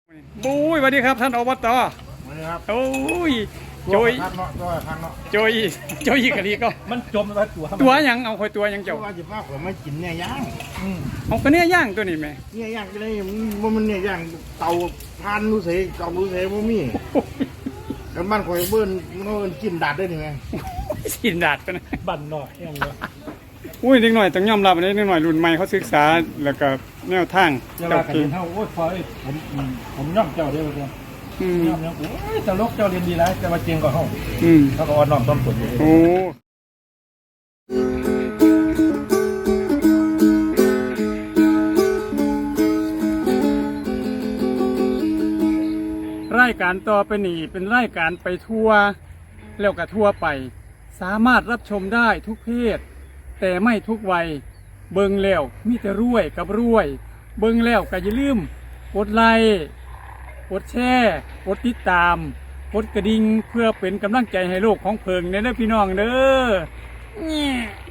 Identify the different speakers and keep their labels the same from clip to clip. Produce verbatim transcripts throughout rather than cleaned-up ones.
Speaker 1: บุ้ยสวัสดีครับท่านอบต.
Speaker 2: สวัสดีครับ
Speaker 1: โอ้ยโจย
Speaker 2: คักเนาะตัวคักเนาะ
Speaker 1: โจยโจยกะลีก็
Speaker 3: มันจมแล้วตัว
Speaker 1: ตัวหยังเอาคอยตัวหยัง
Speaker 2: เจ้า
Speaker 1: เจ้า
Speaker 2: ว่าจะว่าผมไม่กินเนี่ยย่าง
Speaker 1: เอากระเนี้ยย่างตัวนี้ไหม
Speaker 2: เนี่ยย่างก็ได้มันมันเนี่ยย่างเตาทานรู้เสยเตารู้เสยบ่มีกันบ้านข่อยเบิ้นมันเอิ้นกินดาดได้นี่แม่
Speaker 1: สินดาดกันนะ
Speaker 3: บั่นหน่อยยังไง
Speaker 1: อุ้ยเด็กหน่อยต้องยอมรับอันนี้เด็กหน่อยรุ่นใหม่เขาศึกษาแล้วก็แนวทาง
Speaker 3: จะ
Speaker 1: เจ้า
Speaker 3: ว่ากัน
Speaker 1: เก่ง
Speaker 3: เท่าโอ้ยพอไอ้ผมอืมผมย่อมเจ้าเดียวเดียว
Speaker 1: อืม
Speaker 3: ย่อมเนี่ยโอ้ยตลกเจ้าเรียนดีแล้วจะมาเจียงกับห้อง
Speaker 1: อืม
Speaker 3: เขาก็อ่อนน้อมต้นผลอยู่
Speaker 1: โอ้รายการต่อไปนี่เป็นรายการไปทัวร์แล้วก็ทัวร์ไป สามารถรับชมได้ทุกเพศ แต่ไม่ทุกวัย เบิ่งแล้วมีแต่รวยกับรวย เบิ่งแล้วก็อย่าลืมกดไลค์กดแชร์กดติดตามกดกระดิ่งเพื่อเป็นกำลังใจให้โลกของเพิงเด้อพี่น้องเด้อแง่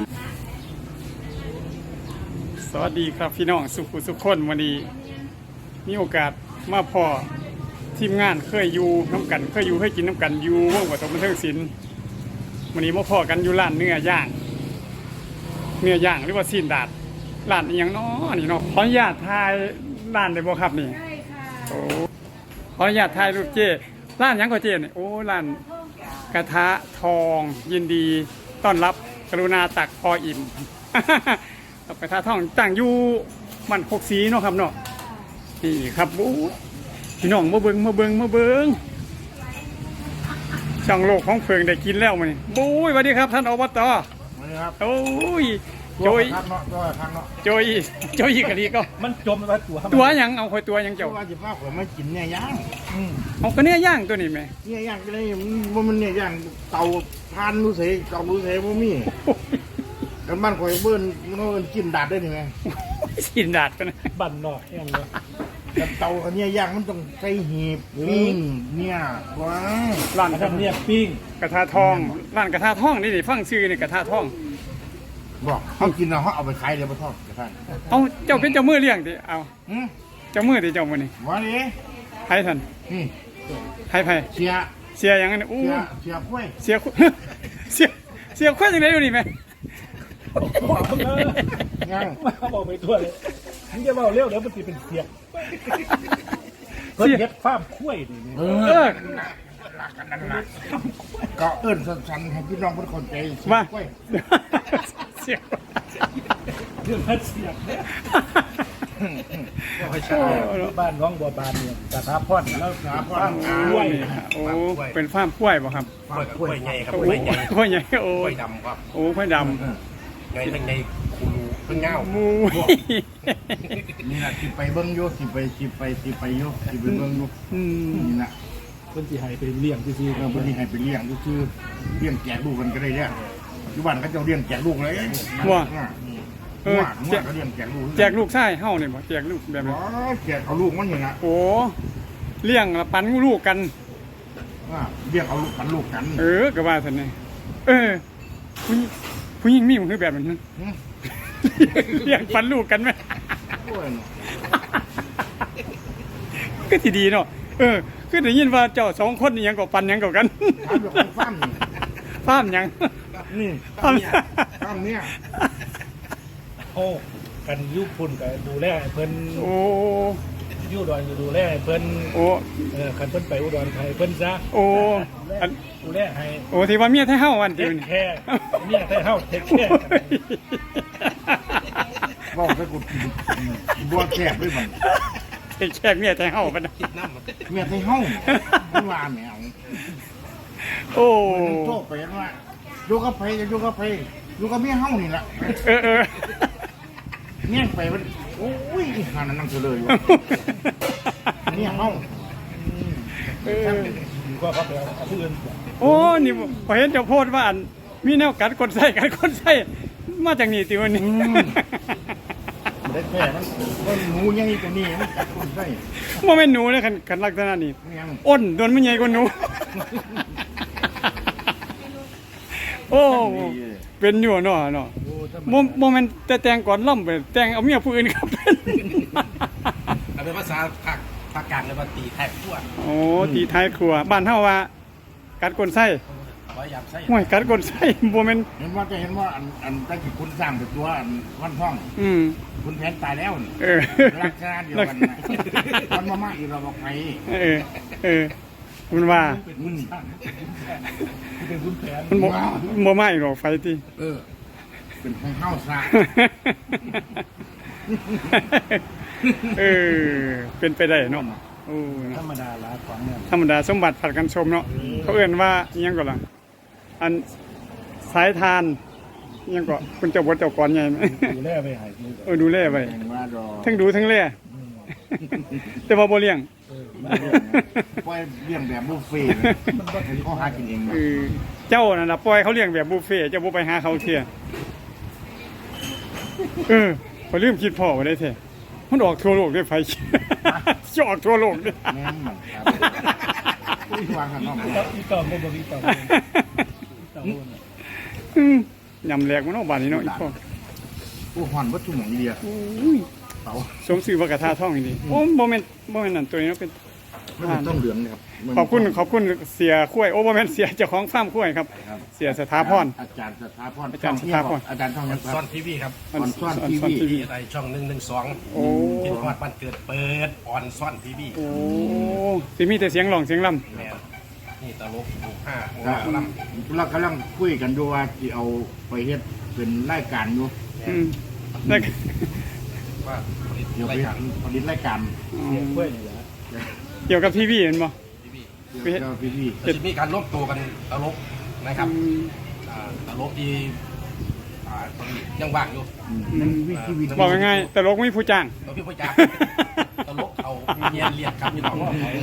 Speaker 1: สวัสดีครับพี่น้องสุขุสุขคนวันนี้มีโอกาสมาพอทีมงานเคยอยู่น้ำกันเคยอยู่เคยกินน้ำกันอยู่วงวัฒนบันเทิงศิลป์วันนี้มาพอกันอยู่ร้านเนื้อย่างเนื้อย่างหรือว่าซีนดาดร้านอหยังน้อนี่เนาะขออนุญาตทายร้านได้บ่ครับนี่
Speaker 4: ใช่ค่ะ
Speaker 1: โอ้ขออนุญาตถ่ายรูปเจ้ร้านหยังก็เจ้เนี่ยโอ้ร้านกระทะทองยินดีต้อนรับกรุณาตักพออิ่ม กระทะทองตั้งอยู่มันหกสีเนาะครับเนาะนี่ครับโอ้พี่น้องมาเบิงมาเบิงมาเบิงช่องโลกของเพิงได้กินแล้วมั้ยบุ้ยสวัสดีครับท่านอบต.
Speaker 2: สวัสดีครับ
Speaker 1: โอ้ย
Speaker 2: ตั
Speaker 1: โจ
Speaker 2: วย คักเนาะตัวคักเนาะ
Speaker 1: โจยโจยกะลีก็
Speaker 3: มันจมแล้วตัว
Speaker 1: ตัวหยังเอาคอยตัวหยัง
Speaker 2: เจ้า
Speaker 1: เจ้า
Speaker 2: ว่าจะว่าผมไม่กินเนี่ยย่าง
Speaker 3: อืม
Speaker 1: เอากระเนี้ยย่างตัวนี้ไหม
Speaker 2: เนี่ยย่างก็ได้มันมันเนี่ยย่างเตาทานรู้เสยเตารู้เสยบ่มีกันบ้านข่อยเบิ้นมันเอิ้นกินดาดได้นี่แม่
Speaker 1: สินดาดกันนะ
Speaker 3: บั่นหน่อยยังไง
Speaker 2: แต่เตาอันเนี้ยย่างมันต้องใส่หีบปิ้งเนี่ยว้า
Speaker 1: ร้าน
Speaker 3: อันนั้นเนี่ยปิ้ง
Speaker 1: กระทะทองร้านกระทะทองนี่นี่ฟังชื่อนี่กระทะทอง
Speaker 2: บอกเขากินแล้วเขาเอาไปขายเดี๋ยวไปทอดกระทะ
Speaker 1: เอาเจ้าเป็นเจ้ามือเลี้ยงดิเอา
Speaker 2: หืม
Speaker 1: เจ้ามือดิเจ้ามือนี่
Speaker 2: ว่าดิ
Speaker 1: ไผท่าน
Speaker 2: นี่
Speaker 1: ไผไผ
Speaker 2: เสีย
Speaker 1: เสียอย่างนั้นอู้
Speaker 2: เสียเสียกล้วย
Speaker 1: เสียคุ เสียเสียคุยจังได๋อยู่นี่แม่
Speaker 3: บอกมึงเออ
Speaker 2: ยัง
Speaker 3: มาบอกไปทั่วเลยมึงจะบอกเร็วเดี๋ยวมันจะเป็นเสียงเพิ่นเฮ็ดฟาร์มคุ้ยนี่
Speaker 2: เอ
Speaker 1: เอ
Speaker 2: อ
Speaker 1: อ
Speaker 2: ก็เอิ้นสั้นๆให้พี่น้องเพิ่นเข้าใจเสีย
Speaker 1: มา
Speaker 2: กล้วย
Speaker 1: เสีย
Speaker 3: เรื่องมันเสียงเนี่ย
Speaker 2: ไม่ใช่
Speaker 3: บ้านน้องบัวบานเนี่ยสถาพรแล้ว
Speaker 2: สาพ
Speaker 3: ฟาร์ม
Speaker 2: ร
Speaker 3: คุ้ย
Speaker 1: โอ้เป็นฟาร์มกล้วยบ่ครับ
Speaker 2: ฟาร์มกล้วยใหญ่
Speaker 1: โอ้กล้วยใหญ่โอ้
Speaker 5: กล้วยดำครับ
Speaker 1: โอ้กล้วยดำ
Speaker 5: ในทั้งในคูรูทั้งเงา
Speaker 1: มู
Speaker 2: นี่น่ะสิไปเบิ่งอยู่สิไปสิไปสิไปอยู่สิไปเบิ่งอยู่
Speaker 1: อืม
Speaker 2: นี่น่ะ
Speaker 3: เพิ่นสิให้ไปเลี้ยงซื่อๆ
Speaker 2: เอ
Speaker 3: ค
Speaker 2: อ
Speaker 3: รับ
Speaker 2: เพิ่นสิให้ไปเลี้ยงซื่อๆเลี้ยงแจกลูกกันก็ได้เนี่ยอยู่บ้านเขาเจ้าเลี้ยงแจกลูกเลย
Speaker 1: ว่า
Speaker 2: เออแจกเขาเลี้ยงแจกลูก
Speaker 1: แจกลูกชายเฮานี่บ่แจกลูกแบบ
Speaker 2: อ๋
Speaker 1: นี้
Speaker 2: อแจกเอาลูกมันอย่างน่ะ
Speaker 1: โอ้เลี้ยงละปันลูกกัน
Speaker 2: ว่าเลี้ยงเอาลูกกันลูกกัน
Speaker 1: เออก็ว่าซั่นนี่เออผู้หญิงผู้หญิงมีมันคือแบบนั้น
Speaker 2: หึ
Speaker 1: เลี้ยงปันลูกกันไหม
Speaker 2: โอ้ยเนาะ
Speaker 1: ก็ที่ดีเนาะเออคือได้ยินว่าเจ้าสองคนนี่ยังก็ปันยังก็กัน
Speaker 2: ถามเรื่องของฟาร์มนี่
Speaker 1: ฟาร์มหยัง
Speaker 2: นี่
Speaker 1: ฟาร์ม
Speaker 2: ฟาร์มเนี่ย
Speaker 3: โอ้กันอยุพุ่นก็ดูแลให้เพิ่น
Speaker 1: โอ้
Speaker 3: อยู่อุดรก็ดูแลให้เพิ่น
Speaker 1: โอ้
Speaker 3: เออคันเพิ่นไปอุดรให้เพิ่นซะ
Speaker 1: โอ้อัน
Speaker 3: ดูแลให้
Speaker 1: โอ้ที่ว่าเมียไทยเฮาวัน
Speaker 3: เท
Speaker 1: ที่
Speaker 3: ค
Speaker 1: นี่
Speaker 3: แคร์เนี่ยแต่เฮาเทคแคร์
Speaker 2: บอกให้กูบัวแคบด้วยมัน
Speaker 1: ไอ้แขกเมียไทยเฮาปะนะ
Speaker 2: เมียไทยเฮ้าไม่ว่าแมว
Speaker 1: โอ้
Speaker 2: โชคไปว่าอยู่กับไผจะอยู่กับไผอยู่กับเมียเฮ้านี่แหละ
Speaker 1: เออเออ
Speaker 2: เมียไปมันโอ้ยหานั่นนั่งเฉลยวะเมียเฮ้า
Speaker 1: เออ
Speaker 3: ก็เขาไปเอาผู้อื่น
Speaker 1: โอ้นี่พอเห็นเจ้าโพดว่าอันมีแนวกัดคนใส่กัดคนใส่มาจากนี่ติวันนี้
Speaker 2: ได้แค่มันมันหนูใหญ่ตัวนี้มันกัดคนไส้
Speaker 1: ว่าไม่นหนูเลยคันคันลักษณะนี้
Speaker 2: เมีย
Speaker 1: อ้นโดนมันใหญ่กว่าหนู โอ้เป็นอยู่เนาะเนาะ
Speaker 3: โอ้ถ้า
Speaker 1: โมโมเมนต์แต่แต่งก่อนล่ำไปแต่งเอาเมียผู้อื่นครับเป็น
Speaker 5: เอาเป็นภาษาภาคภาคกลางเรียกว่าตีแท็กขั้ว
Speaker 1: โอ้ตีท้ายครัวบ้านเฮาว่ากัดก้นไส้
Speaker 5: พยายามใช้
Speaker 1: ห่วยกัดก้นไส้บ่แม่น
Speaker 2: เห็นว่าจะเห็นว่าอันอันตั้งแต่คุณสร้างเป็นตัวอันวันท่อง
Speaker 1: อืม
Speaker 2: คุณแผนตายแล้วนี่
Speaker 1: เออ
Speaker 2: ลักษณะเดียวกันนะมันมามาอีกเราบอกไป
Speaker 1: เออเออมันว่า
Speaker 3: เป็นบุญช่างเป็นบุญแผน
Speaker 1: มันบ่บ่มาอีกหรอกไฟติ
Speaker 2: เออ เป็นของเข้าซะ
Speaker 1: เออเป็นไปได้เนาะโอ้
Speaker 3: ธรรมดาละของเนี่ย
Speaker 1: ธรรมดาสมบัติผัดกันชมเนาะเขาเอื่นว่าอิหยังก่อนล่ะอันสายทานอิหยังก่อนคุณเจ้าบทเจ้าก่อนใหญ่ไหม
Speaker 3: ดูแลไปหายดู
Speaker 1: เออดูแลไป
Speaker 2: แห่งว่าดอ
Speaker 1: ทั้งดูทั้งเล่แต่ว่าบ่เลี้ยง
Speaker 2: ปล่อยเลี้ยงแบบบุฟเฟ่ต์มันก็ถือเขาหากินเอง
Speaker 1: เออเจ้านั่นน่ะปล่อยเขาเลี้ยงแบบบุฟเฟ่ต์เจ้าบ่ไปหาเขาเที่ยเออพอลืมคิดพ่อไว้ได้แท้มันออกทั่วโลกได้ไฟ จะออกทั่วโลกเด้
Speaker 2: แม่นมันครับวางข้างนอก
Speaker 3: อีต่อมบ่อีต่อมต่อม
Speaker 1: อืมยำแหลกมันเนาะบ้านนี้เนาะอีพ่อ
Speaker 2: โอ้หอนวัตถุหมองอีเดียเตา
Speaker 1: สมชื่อว่ากระทาท่องอีนี่โอ้บ่แม่นบ่แม่นนั่นตัวนี้เนาะเป็น
Speaker 2: ไม่เป็นต้องเหลืองนะครับ
Speaker 1: ขอบคุณขอบคุณเสียข้วยโอ้บ่แม่นเสียเจ้าของฟาร์มข้วยครับ
Speaker 2: ครับ
Speaker 1: เสียสถาพร
Speaker 2: อาจารย์สถาพร
Speaker 1: อาจารย์สถาพร
Speaker 2: อาจารย์ท่องยังค
Speaker 5: ซ่อ
Speaker 2: รั
Speaker 5: น
Speaker 2: บ
Speaker 5: ทีวีครับ
Speaker 2: ออนซ่อน
Speaker 1: ออน
Speaker 2: ที
Speaker 1: ซ่อน
Speaker 2: วี
Speaker 1: ทีวี
Speaker 5: ที่อะไรช่องหนึ่งหนึ่งสอง
Speaker 1: โอ้
Speaker 5: ที่ทอดวันเกิดเปิดออนซ่อนทีวี
Speaker 1: โอ้สิมีแต่เสียงร้องเสียงล่ำ
Speaker 5: แม่นี่ตลกหมู่ห้าหมู่
Speaker 2: ก็
Speaker 5: ห้าล
Speaker 2: เรากำลังคุยกันดูว่าที่เอาไปเฮ็ดเป็นรายการอยู่
Speaker 5: ำ
Speaker 1: อืมแล้วก็
Speaker 5: ว่าผลิต
Speaker 2: เดี๋ยวไป
Speaker 5: รายการ
Speaker 2: ผลิตรายการ
Speaker 3: เสียงกล้วยนี่แหละ
Speaker 1: เกี่ยวกับทีวีเห็นบ่
Speaker 5: ทีวี
Speaker 2: เดี๋ยวพี่พี่
Speaker 5: จะมีการร่วมตัวกันตลกนะครับ
Speaker 1: อืม
Speaker 5: อ่าตลกที่อ่าตอนนี้ยังว่างอยู่
Speaker 2: นั่นวิธีวิ
Speaker 1: บอกง่ายๆแต่ลกไม่ผู้จ้าง
Speaker 5: เราพี่พ่อจ๋าตลกเอาเรียนเรียนครับพี่น้อง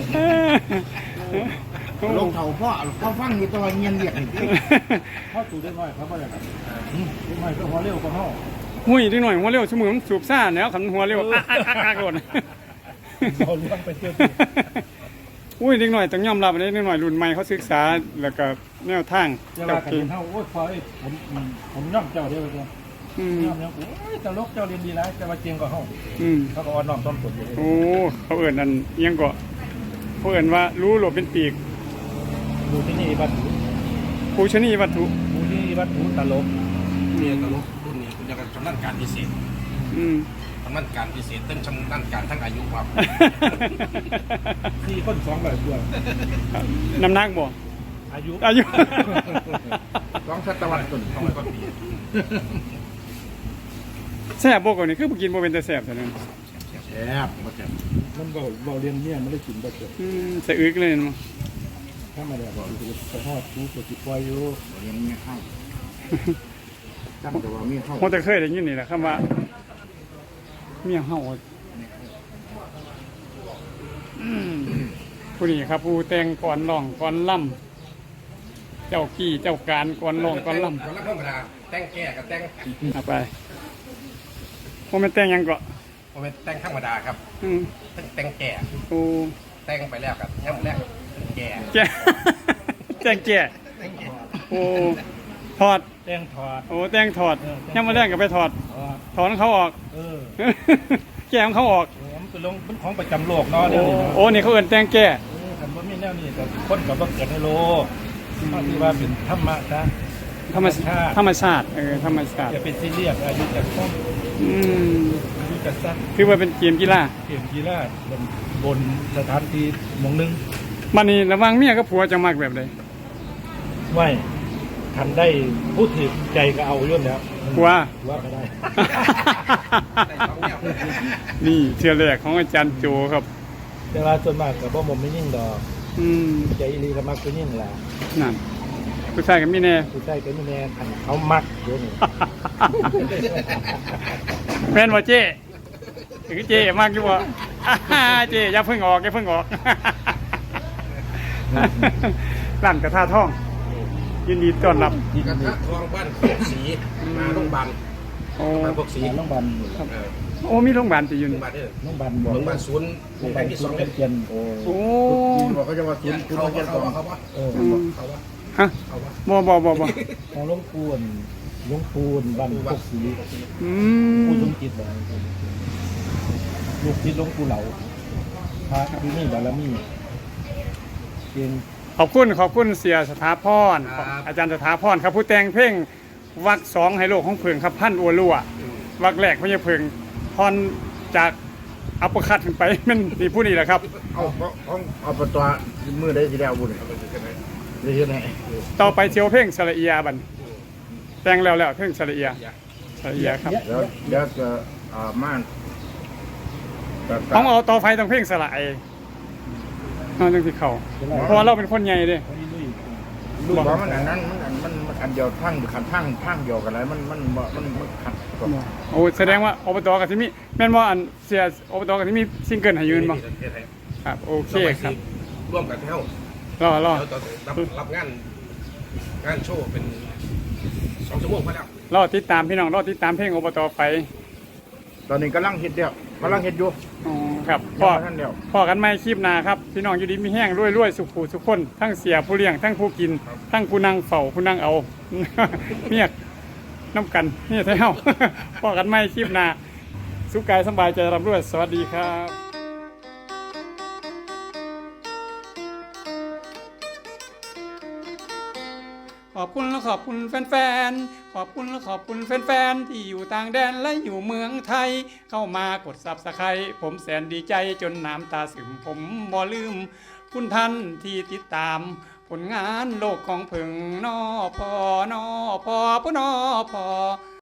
Speaker 2: ลงเท่าพ่อพ่อฟังอยู่ตลอดเงียนเรียกนี่
Speaker 3: เข้าสู่ได้น้อยเขาบ่ได้ครับได้น้อยก็พอเร็วกว่าเฮา
Speaker 1: หุ้ยนิดหน่อยหัวเร็วชั่วโมงมันสูบซ่าแล้วขันหัวเร็วอักอักอักอักโดน
Speaker 3: เราเลี้ยงไปเที่ยว
Speaker 1: อุ้ยนิดหน่อยต้องยอมรับอันนี้นิดหน่อยรุ่นใหม่เขาศึกษาแล้วก็แนวทาง
Speaker 3: จะ
Speaker 1: เจ้า
Speaker 3: ว่ากัน
Speaker 1: เก่ง
Speaker 3: เฮาโอ้ยพอไอ้ผมผมย่อมเจ้าเดียวกัน
Speaker 1: อืม
Speaker 3: ย่อมยังโอ้ยตลกเจ้าเรียนดีแล้วแต่ว่าเก่งกว่าเฮา
Speaker 1: อืม
Speaker 3: เขาก็อ่อนน้อมต้อมตนอยู่
Speaker 1: โอ้เขาเอิ่นนั่นอิหยังก็เขาเอิ่นว่ารู้หลบเป็นปีก
Speaker 3: ดูที่นี่วัด
Speaker 1: ปูชนีวัตถุ
Speaker 3: ดูที่วัดหูตลก
Speaker 5: เนี่ยตลกรุ่นนี้คุณจะกันชำนาญการพิเศษ
Speaker 1: อืม
Speaker 5: ชำนาญการพิเศษตั้งชำนาญการทั้งอายุครับ
Speaker 3: สี่คนสองแบบตัว
Speaker 1: น้ำหนักบ่
Speaker 3: อายุ
Speaker 1: อายุ
Speaker 2: สองศตวรรษต้น
Speaker 5: สองร้อยกว่าปี
Speaker 1: แซ่บบ่กว่านี้คือบ่กินบ่เป็นแต่แซ่บแต่นั้น
Speaker 2: แซ่บมาแซ่บ
Speaker 3: มันเบาเบาเรียนเนี่ยมันได้กินบ่เกิด
Speaker 1: อืมสะอึกเลยเนาะ
Speaker 3: ถ้ามาแล้วบอกไปทอดชูก็สิปล่อยอยู่
Speaker 2: เรียนไม่เข้าจำแต่ว่ามีเข้า
Speaker 1: ผมแต่เคยได้ยินนี่แหละคำว่าเมียเฮาอืมผู้นี้ครับ ผู้แต่งก่อนร้องก่อนล่ำเจ้ากี้เจ้าการก่อนร้องก่อนล่ำ
Speaker 5: คนละธรรมดาแต่งแก่กับแต่ง
Speaker 1: เอาไปผมเป็นแต่งหยังก็
Speaker 5: ผมเป็นแต่งธรรมดาครับ
Speaker 1: อืม
Speaker 5: แต่งแก่
Speaker 1: โอ้
Speaker 5: แต่งไปแล้วกับย่ำแรกแก่
Speaker 1: แก่ แต่งแก่
Speaker 5: แต่งแก่
Speaker 1: โอ้ถอด
Speaker 3: แต่งถอด
Speaker 1: โอ้แต่งถอดยังมาแรกก็ไปถอด
Speaker 3: อ๋อ
Speaker 1: ถอนเขาออก
Speaker 3: เออ
Speaker 1: แก้ของเขาออก
Speaker 3: มันเป็นลงเป็นของประจำโลกเนาะ
Speaker 1: โอ้
Speaker 3: เดี๋ยวนี้เนาะ
Speaker 1: โอ้นี่เขาเอิ้นแต่งแก่
Speaker 3: เออคันบ่มีแนวนี้ก็คนก็บ่เกิดในโลกก็คือว่าเป็นธรรมะซะ
Speaker 1: ธรรมชาติธรรมชาติเออธรรมชาติ
Speaker 3: อย่าเป็นซีเรียสอายุจักสั้น
Speaker 1: อืม
Speaker 3: อายุจักสั้น
Speaker 1: คือว่าเป็นเกมกีฬา
Speaker 3: เกมกีฬาบนบนสถานที่หมองหนึง
Speaker 1: มันนี่ระหวังเมียกับผัวจะมักแบบใด
Speaker 3: ไม่ทันได้พูดถึงใจก็เอาอยู่แล้ว
Speaker 1: ผัว
Speaker 3: ว่าก็ได้
Speaker 5: ได้สองแนว
Speaker 1: นี่เชื่อแรกของอาจารย์โจครับ
Speaker 3: แต่ว่าส่วนมากก็บ่มไม่ยิ่งดอก
Speaker 1: อืม
Speaker 3: ใจอีหลีก็มักก็ยิ่งล่ะ
Speaker 1: นั่นผู้ชายกับมีแน่
Speaker 3: ผู้ชายก็มีแน่คันเขามักเดี๋ยวนี้
Speaker 1: แม่นว่าเจ๊ถึงเจ๊มากอยู่บ่ อ่าเจ๊อย่าเพิ่งออกอย่าเพิ่งออก ร้านกระทาท่อง ยินดีต้อนรับ
Speaker 5: กระทะทองบ้านโคกสีมาโรงพยาบาล
Speaker 1: โอ้
Speaker 5: บ้านโคกสี
Speaker 3: น้องบัน
Speaker 5: เออ
Speaker 1: โอ้มีโรงพยาบาลติอยู่
Speaker 5: โรงพ
Speaker 1: นี่
Speaker 5: ยาบาลเนี่ย
Speaker 3: น้องบัน
Speaker 5: โรงพยาบาลศูนย์
Speaker 3: น้อง
Speaker 5: แห่
Speaker 3: บัน
Speaker 5: งที่ส
Speaker 3: ส
Speaker 5: อ
Speaker 3: อง ง
Speaker 5: เนี่ย
Speaker 3: เกียนโอ้
Speaker 1: โอ้
Speaker 2: บอกเขาจะว่าคุณคุณ
Speaker 5: เขา
Speaker 2: ต้อง
Speaker 5: ว่า
Speaker 2: เรียน
Speaker 5: เขา
Speaker 2: ก่อน
Speaker 5: ว่าเขาว่า
Speaker 3: เออ
Speaker 1: อืม
Speaker 5: เขาว่า
Speaker 1: ฮะ
Speaker 5: เขาว่า
Speaker 1: บ่บ่บ่บ่
Speaker 3: ของหลวงปูนหลวงปูนบันพวกสี
Speaker 1: อื
Speaker 3: ปู
Speaker 1: ม
Speaker 3: สมจิตเลยลูกจิตหลวงปูเหลาพระที่นี่บารมีเก่ง
Speaker 1: ขอบคุณขอบคุณเสียสถาพรอาจารย์สถาพรครับผู้แต่งเพลงวักสองให้โลกของเพิงครับพันอัวรั่ววักแรกพญาเพิงพรจากอัปเปอร์คัตขึ้นไป มันนี่ผู้นี้แหละครับ
Speaker 2: เอาเอาเอาเอาประตัวมือได้สิแล้วบุญได้เฮ็ดให้
Speaker 1: ต่อไปเชียวเพลงสระเอียบันแต่งแล้วแล้วเพลงสระเอียสระเอียครับ
Speaker 2: เดี๋ยวเดี๋ยวจะอ่าม่านแต่แต่
Speaker 1: ของเอาต่อไฟต้องเพลงสระไอเอาจังที่เขาเพราะว่าเราเป็นคนใหญ่เด้
Speaker 2: ลูกว่ามันอันนั้นมันอันมันมันอันเดียวทั้งขันทั้งทั้งเดียวกันเลยมันมันบ่มันมันขัดกับ
Speaker 1: โอ้แสดงว่าอบตกับที่มีแม่นว่าอันเสียอบตกับที่มีซิงเกิลให้ยืนบ่ครับโอเคครับ
Speaker 5: ร่วมกันเท่าร
Speaker 1: อรอ
Speaker 5: แล้วตอนรับรับงานงานโชว์เป็นสองชั่วโมงพอแล้ว
Speaker 1: รอติดตามพี่น้องรอติดตามเพลงอบตไป
Speaker 2: ตอนนี้กำลังเฮ็ดเดียวกำลังเฮ็ดอยู่
Speaker 1: อ๋อครับ
Speaker 2: ยั
Speaker 1: พ่อง
Speaker 2: บ่ทันแล้ว
Speaker 1: พ่อกันไม่คลิปหนาครับพี่น้องอยู่ดีมีแห้งรวยๆสุขผูสุขคนทั้งเสียผู้เลี้ยงทั้งผู้กิน ทั้งผู้นั่งเฝ้าผู้นั่งเอา เมียกน้ำกันนี่เท่า พ่อกันไม่คลิปหนาสุขกายสบายใจร่ำรวยสวัสดีครับ ขอบคุณและขอบคุณแฟนๆ ขอบคุณและขอบคุณแฟนๆ ที่อยู่ต่างแดนและอยู่เมืองไทย เข้ามากดซับสไครต์ผมแสนดีใจจนน้ำตาซึมผมบ่ลืม คุณท่านที่ติดตาม ผลงานโลกของเพึงนอพอนอพอพนอพอ